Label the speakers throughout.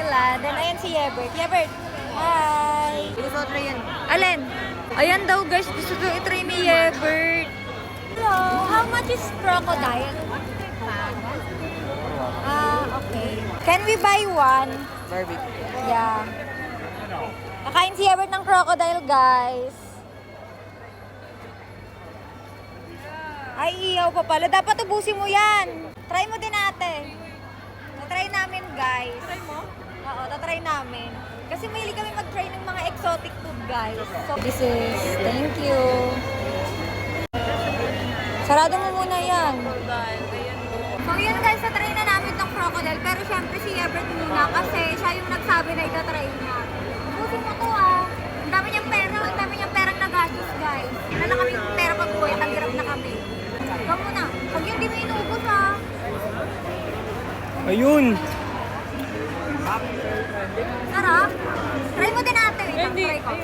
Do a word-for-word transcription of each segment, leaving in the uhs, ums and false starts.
Speaker 1: Thailand. And ayan si Yebert. Yebert, hi!
Speaker 2: Gusto ko try yan.
Speaker 1: Alin? Ayan daw guys, gusto ko i-try ni Yebert. Hello, how much is crocodile? Ah, okay. Can we buy one?
Speaker 2: Barbecue.
Speaker 1: Yeah. Kakain si Yebert ng crocodile, guys. Ay, iyaw pa pala. Dapat ubusin mo yan. Try mo din ate. Tatry namin, guys. Try mo? Oo, tatry namin. Kasi mahilig kami mag-try ng mga exotic food, guys. So, this is, thank you. Sarado mo muna yan. So, yun guys, tatry na namin ng crocodile. Pero syempre si Everett muna kasi siya yung nagsabi na itatry niya. Ubusin mo to ah. Ang dami niyang pera, ang dami niyang perang nagastos, guys. Wala na kami pera pag-uwi, naghirap na kami. Ikaw muna. Pag yun, di mo inuubos ah.
Speaker 3: Ayun!
Speaker 1: Sarap. Try mo din natin. Wait, lang, try ko.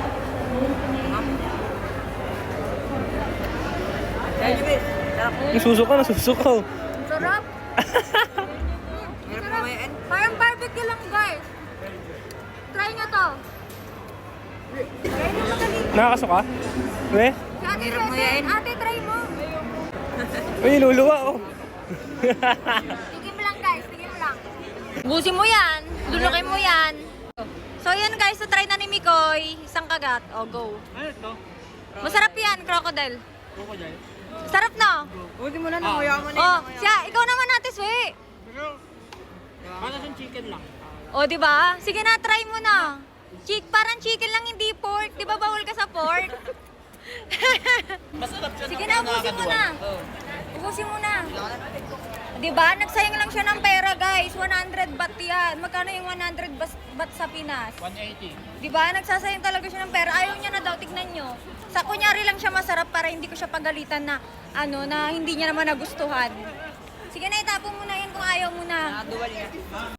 Speaker 3: Nasusuka, nasusuka.
Speaker 1: Sarap. Sarap. Parang barbecue lang, guys. Try nyo to. Try nyo madali.
Speaker 3: Nakakasuka? We?
Speaker 1: Si Ate Sesen, ate, try mo.
Speaker 3: Uy, luluwa oh.
Speaker 1: Tigim lang, guys. Tigim lang. Busin mo yan. Lulukin mo yan. So, yan guys. So, try na ni Mikoy. Isang kagat. O, go.
Speaker 3: Ano ito?
Speaker 1: Masarap yan, crocodile.
Speaker 3: Crocodile?
Speaker 1: Sarap na.
Speaker 2: Buti mo na, nanguya mo na
Speaker 1: Oh, siya. Ikaw naman natin, Swe.
Speaker 3: Para sa chicken lang.
Speaker 1: O, di ba? Sige na, try mo na. Chick, parang chicken lang, hindi pork. Di ba bawal ka sa pork?
Speaker 3: Masarap siya.
Speaker 1: Sige na, ubusin mo na. Ubusin mo na. Di ba? Nagsayang lang siya ng pera, guys. one hundred baht yan. Magkano yung one hundred bas- baht sa Pinas?
Speaker 3: one eighty.
Speaker 1: Di ba? Nagsasayang talaga siya ng pera. Ayaw niya na daw, tignan nyo. Sa kunyari lang siya masarap para hindi ko siya pagalitan na ano, na hindi niya naman nagustuhan. Sige na, itapon mo na yan kung ayaw mo na.
Speaker 2: Nakaduwal niya.